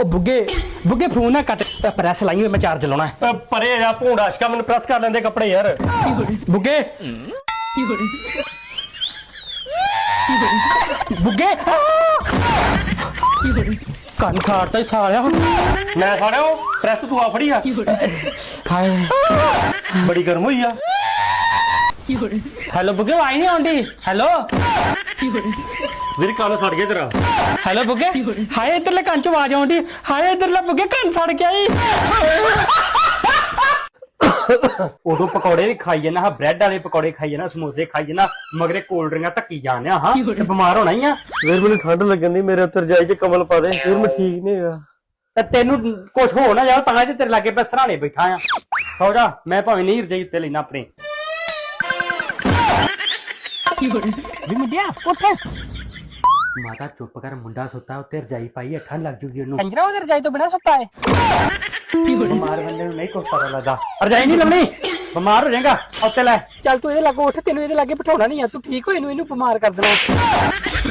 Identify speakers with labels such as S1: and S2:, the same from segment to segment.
S1: ਉਹ ਬੁੱਗੇ ਫੋਨ ਨਾ ਕੱਟ ਪ੍ਰੈਸ ਲਾਈ ਹੋਈ ਮੈਂ ਚਾਰਜ ਲਾਉਣਾ ਹੈ।
S2: ਪਰੇ ਜਾ ਭੂੰਡਾ ਅਸ਼ਕਾ ਮੈਨੂੰ ਪ੍ਰੈਸ ਕਰ ਲੈਂਦੇ ਕੱਪੜੇ ਯਾਰ।
S1: ਬੁੱਗੇ ਬੁੱਗੇ ਕੰਨ ਸਾੜਤਾ ਹੀ ਸਾਲਿਆ।
S2: ਮੈਂ ਸਾੜਿਆ ਉਹ ਪ੍ਰੈਸ ਤੂੰ ਆ ਫੜੀ ਆ।
S1: ਹਾਏ
S2: ਬੜੀ ਗਰਮ ਹੋਈ ਆ।
S1: ਹੈਲੋ ਬੁੱਗੇ ਆਈ ਨਹੀਂ ਆਉਂਦੀ। ਹੈਲੋ
S2: ਵੀਰ ਕੰਨ ਸੜ ਗਿਆ ਤੇਰਾ।
S1: ਹੈਲੋ ਬੁੱਗੇ ਹਾਏ ਇਧਰਲੇ ਕੰਨ ਚ ਆਵਾਜ਼ ਆਉਂਦੀ। ਹਾਏ ਇਧਰਲੇ ਬੁੱਗੇ ਕੰਨ ਸੜ ਗਿਆ ਈ। ਉਦੋਂ ਪਕੌੜੇ ਵੀ ਖਾਈ ਜਾਣਾ, ਬ੍ਰੈਡ ਵਾਲੇ ਪਕੌੜੇ ਖਾਈ ਜਾਣਾ, ਸਮੋਸੇ ਖਾਈ ਜਾਣਾ, ਮਗਰੇ ਕੋਲਡ ਡਰਿੰਕਾਂ ਧੱਕੀ ਜਾਂਦੇ ਆ। ਹਾਂ ਤੇ ਬਿਮਾਰ ਹੋਣਾ ਹੀ ਆ।
S2: ਵੀਰ ਮੈਨੂੰ ਠੰਡ ਲੱਗਣ ਦੀ, ਮੇਰੇ ਉੱਤੇ ਰਜਾਈ 'ਚ ਕਮਲ ਪਾ ਦੇ। ਵੀਰ ਮੈਂ ਠੀਕ ਨਹੀਂ ਹੈਗਾ।
S1: ਤੇ ਤੈਨੂੰ ਕੁਝ ਹੋ ਨਾ ਜਾਓ ਤਾਂ ਤੇਰੇ ਲਾਗੇ ਮੈਂ ਸਰਾਣੇ ਬੈਠਾ ਆ। ਸੌ ਜਾ, ਮੈਂ ਭਾਵੇਂ ਨਹੀਂ ਰਜਾਈ ਉੱਤੇ ਲੈਣਾ ਆਪਣੀ। ਵੀ ਮੁੰਡਿਆ ਉੱਠ। ਮਾਤਾ ਚੁੱਪ ਕਰ, ਮੁੰਡਾ ਸੁੱਤਾ ਉੱਤੇ ਰਜਾਈ ਪਾਈ, ਠੰਡ ਲੱਗ ਜੂਗੀ ਉਹਨੂੰ। ਕੰਜਰਾ ਉਹਦੇ ਰਜਾਈ ਤੋਂ ਬਿਨਾਂ ਸੁੱਤਾ ਹੈ। ਬਿਮਾਰ ਬੰਦੇ ਨੂੰ ਨਹੀਂ ਕੁਛ ਪਤਾ ਲੱਗਦਾ। ਰਜਾਈ ਨਹੀਂ ਲਾਉਣੀ, ਬਿਮਾਰ ਹੋ ਜਾਏਗਾ। ਉੱਤੇ ਲੈ ਚੱਲ, ਤੂੰ ਇਹਦੇ ਲਾਗੋਂ ਉੱਠ। ਤੈਨੂੰ ਇਹਦੇ ਲਾਗੇ ਬਿਠਾਉਣਾ ਨਹੀਂ ਆ, ਤੂੰ ਠੀਕ ਹੋ। ਇਹਨੂੰ ਬਿਮਾਰ ਕਰ ਦੇਣਾ।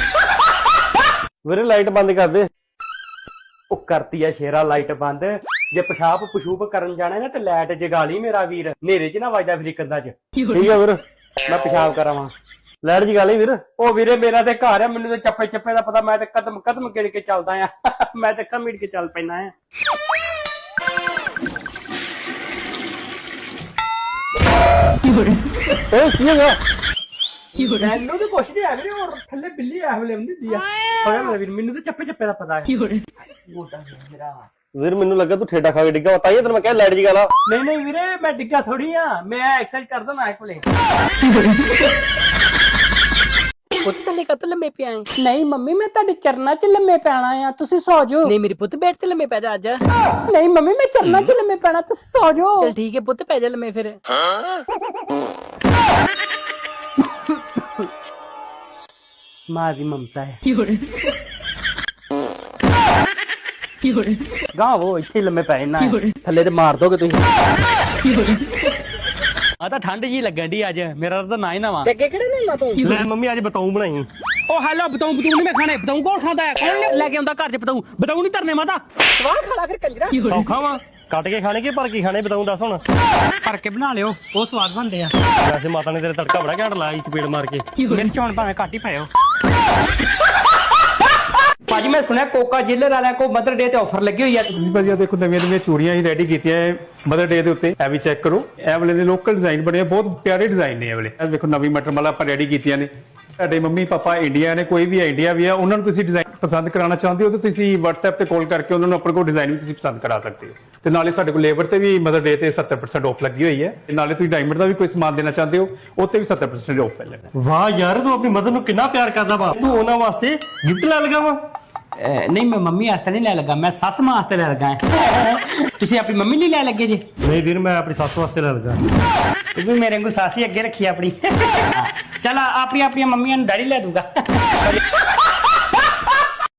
S2: ਵੀਰੇ ਲਾਈਟ ਬੰਦ ਕਰ ਦੇ।
S1: ਉਹ ਕਰਤੀ ਆ ਸ਼ੇਰਾ ਲਾਈਟ ਬੰਦ। ਜੇ ਪਿਸ਼ਾਬ ਪਸ਼ੂਬ ਕਰਨ ਜਾਣਾ ਨਾ ਤੇ ਲਾਈਟ ਜਗਾ ਲਈ ਮੇਰਾ ਵੀਰ। ਹਨੇਰੇ 'ਚ ਨਾ ਵੱਜਦਾ ਫਿਰ ਕੰਧਾਂ 'ਚ।
S2: ਠੀਕ ਆ ਵੀਰ,
S1: ਮੈਂ ਪਿਸ਼ਾਬ ਕਰਾਵਾਂ।
S2: ਲਾਈਟ ਜਗਾ ਲਈ ਵੀਰ।
S1: ਉਹ ਵੀਰੇ ਮੇਰਾ ਤੇ ਘਰ ਆ, ਮੈਨੂੰ ਤੇ ਚੱਪੇ ਚੱਪੇ ਦਾ ਪਤਾ। ਮੈਂ ਤੇ ਕਦਮ ਗਿਣ ਕੇ ਚੱਲਦਾ ਆ। ਮੈਂ ਤੇ ਕਮੀੜ ਕੇ ਚੱਲ ਪੈਣਾ ਆ।
S2: ਓਏ ਕੀ ਹੈਗਾ?
S1: ਮੈਨੂੰ ਤਾਂ ਕੁਛ ਨਹੀਂ ਆ ਵੀਰੇ, ਹੋਰ ਥੱਲੇ ਬਿੱਲੀ ਆ ਵੇਲੇ ਹੁੰਦੀ ਆ। ਹੋਇਆ ਮੇਰਾ ਵੀਰ, ਮੈਨੂੰ ਤੇ ਚੱਪੇ ਚੱਪੇ ਦਾ ਪਤਾ ਹੈ। ਮੋਟਾ ਮੇਰਾ
S2: ਵੀਰ ਮੈਨੂੰ ਲੱਗਾ ਤੂੰ ਠੇਡਾ ਖਾ ਕੇ ਡਿੱਗਾ। ਤਾਂ ਹੀ ਤੈਨੂੰ ਮੈਂ ਕਿਹਾ ਲਾਈਟ ਜਗਾ ਲਾ।
S1: ਨਹੀਂ ਵੀਰੇ, ਮੈਂ ਡਿੱਗਾ ਥੋੜੀ ਆ। ਮੈਂ ਐਕਸਰਸਾਈਜ਼ ਕਰਦਾ ਨਾ ਕੋਲੇ। ਪੁੱਤ ਥੱਲੇ ਕਾ ਲੰਮੇ ਪਿਆ ਨਹੀਂ ਮੰਮੀ, ਮੈਂ ਤੁਹਾਡੇ ਚਰਨਾਂ 'ਚ ਲੰਮੇ ਪੈਣਾ ਆ, ਤੁਸੀਂ ਸੌ ਜਾਓ। ਨਹੀਂ ਮੇਰੇ ਪੁੱਤ, ਬੈਠ ਤੇ ਲੰਮੇ ਪੈ ਜਾ ਅੱਜ। ਨਹੀਂ ਮੰਮੀ, ਮੈਂ ਚਰਨਾਂ 'ਚ ਲੰਮੇ ਪੈਣਾ, ਤੁਸੀਂ ਸੌ ਜਾਓ। ਚਲ ਠੀਕ ਹੈ ਪੁੱਤ, ਪੈ ਜਾ ਲੰਮੇ ਫਿਰ। ਮਾਂ ਦੀ ਮਮਤਾ ਹੈ। ਗਾਂ ਉਹ ਇੱਥੇ ਲੰਮੇ ਪੈ ਨਾ, ਥੱਲੇ ਤੇ ਮਾਰ ਦੋਗੇ ਤੁਸੀਂ। ਆ ਤਾਂ ਠੰਡ ਜੀ ਲੱਗਣ ਦੀ ਅੱਜ। ਮੇਰਾ ਤਾਂ ਨਾ ਹੀ ਨਾ ਵਾ। ਅੱਗੇ ਕਿਹੜੇ ਨੇ ਤੂੰ?
S2: ਲੈ ਮੰਮੀ ਅੱਜ ਬਤਾਉ ਬਣਾਈ।
S1: ਉਹ ਹੈਲੋ, ਬਤਾਉ ਨਹੀਂ ਮੈਂ ਖਾਣੇ। ਬਤਾਉ ਕੌਣ ਖਾਂਦਾ ਹੈ? ਕੌਣ ਲੈ ਕੇ ਆਉਂਦਾ ਘਰ 'ਚ ਬਤਾਉ? ਬਤਾਉ ਨਹੀਂ ਧਰਨੇ ਮਾਤਾ। ਸਵਾਹ ਖਾਲਾ ਫਿਰ ਕੰਜਰਾ।
S2: ਸੌਖਾ ਵਾ, ਕੱਟ ਕੇ ਖਾਣੇ ਕਿ ਭਰ ਕੇ ਖਾਣੇ? ਬਤਾਉ ਦੱਸ ਹੁਣ।
S1: ਭਰ ਕੇ ਬਣਾ ਲਿਓ, ਉਹ ਸਵਾਦ ਬਣਦੇ ਆ।
S2: ਵੈਸੇ ਮਾਤਾ ਨੇ ਤੇਰੇ ਤੜਕਾ ਬੜਾ ਘੈਂਟ ਲਾਇਆ, ਚਪੇੜ ਮਾਰ ਕੇ।
S1: ਮਿਰਚ ਹੁਣ ਭਾਵੇਂ ਘੱਟ ਹੀ ਪਾਇਓ। ਭਾਜੀ ਮੈਂ ਸੁਣਿਆ ਕੋਕਾ ਜਿਲਰ ਵਾਲਿਆਂ ਕੋ ਮਦਰ ਡੇ ਤੇ ਆਫਰ ਲੱਗੀ ਹੋਈ ਆ।
S3: ਤੁਸੀਂ ਭਾਜੀ ਆ ਦੇਖੋ, ਨਵੀਆਂ ਚੂੜੀਆਂ ਹੀ ਰੈਡੀ ਕੀਤੀਆਂ ਮਦਰ ਡੇ ਦੇ ਉੱਤੇ। ਇਹ ਵੀ ਚੈੱਕ ਕਰੋ। ਇਹ ਵਾਲੇ ਦੇ ਲੋਕਲ ਡਿਜ਼ਾਈਨ ਬਣੇ ਆ, ਬਹੁਤ ਪਿਆਰੇ ਡਿਜ਼ਾਈਨ ਨੇ ਇਹ ਵਾਲੇ। ਇਹ ਦੇਖੋ ਨਵੀਂ ਮਟਰਮਲਾ ਆਪਾਂ ਰੈਡੀ ਕੀਤੀਆਂ ਨੇ। ਤੁਹਾਡੇ ਮੰਮੀ ਪਾਪਾ ਇੰਡੀਆ ਨੇ, ਕੋਈ ਵੀ ਇੰਡੀਆ ਵੀ ਆ, ਉਹਨਾਂ ਨੂੰ ਤੁਸੀਂ ਡਿਜ਼ਾਈਨ ਪਸੰਦ ਕਰਾਉਣਾ ਚਾਹੁੰਦੇ ਹੋ ਤਾਂ ਤੁਸੀਂ WhatsApp ਤੇ ਕਾਲ ਕਰਕੇ ਉਹਨਾਂ ਨੂੰ ਆਪਣੇ ਕੋਲ ਡਿਜ਼ਾਈਨ ਵੀ ਤੁਸੀਂ ਪਸੰਦ ਕਰਾ ਸਕਦੇ ਹੋ। ਤੇ ਨਾਲੇ ਸਾਡੇ ਕੋਲ ਲੇਬਰ ਤੇ ਵੀ ਮਦਰ ਡੇ ਤੇ 70% ਆਫ ਲੱਗੀ ਹੋਈ ਹੈ। ਤੇ ਨਾਲੇ ਤੁਸੀਂ ਡਾਇਮੰਡ ਦਾ ਵੀ ਕੋਈ ਸਮਾਨ ਦੇਣਾ ਚਾਹੁੰਦੇ ਹੋ, ਉੱਤੇ ਵੀ 70% ਆਫ ਮਿਲੇਗਾ।
S2: ਵਾਹ ਯਾਰ, ਤੂੰ ਆਪਣੀ ਮਦਰ ਨੂੰ ਕਿੰਨਾ ਪਿਆਰ ਕਰਦਾ ਵਾ। ਤੂੰ ਉਹਨਾਂ ਵਾਸਤੇ ਗਿਫਟ ਲੈ ਲਗਾ ਵਾ।
S1: ਨਹੀਂ ਮੈਂ ਮੰਮੀ ਵਾਸਤੇ ਨਹੀਂ ਲੈ ਲੱਗਾ, ਮੈਂ ਸੱਸ ਮਾਂ ਵਾਸਤੇ ਲੈ ਲੱਗਾ। ਤੁਸੀਂ ਆਪਣੀ ਮੰਮੀ ਲਈ ਲੈ ਲੱਗੇ ਜੀ?
S2: ਨਹੀਂ ਵੀਰ, ਮੈਂ ਆਪਣੀ ਸੱਸ ਵਾਸਤੇ ਲੈ ਲਗਾ।
S1: ਤੂੰ ਵੀ ਮੇਰੇ ਨੂੰ ਸਾਸੀ ਅੱਗੇ ਰੱਖੀ ਆਪਣੀ। ਚਲ ਆਪਣੀਆਂ ਮੰਮੀਆਂ ਨੂੰ ਡੈਡੀ ਲੈ ਦੂਗਾ।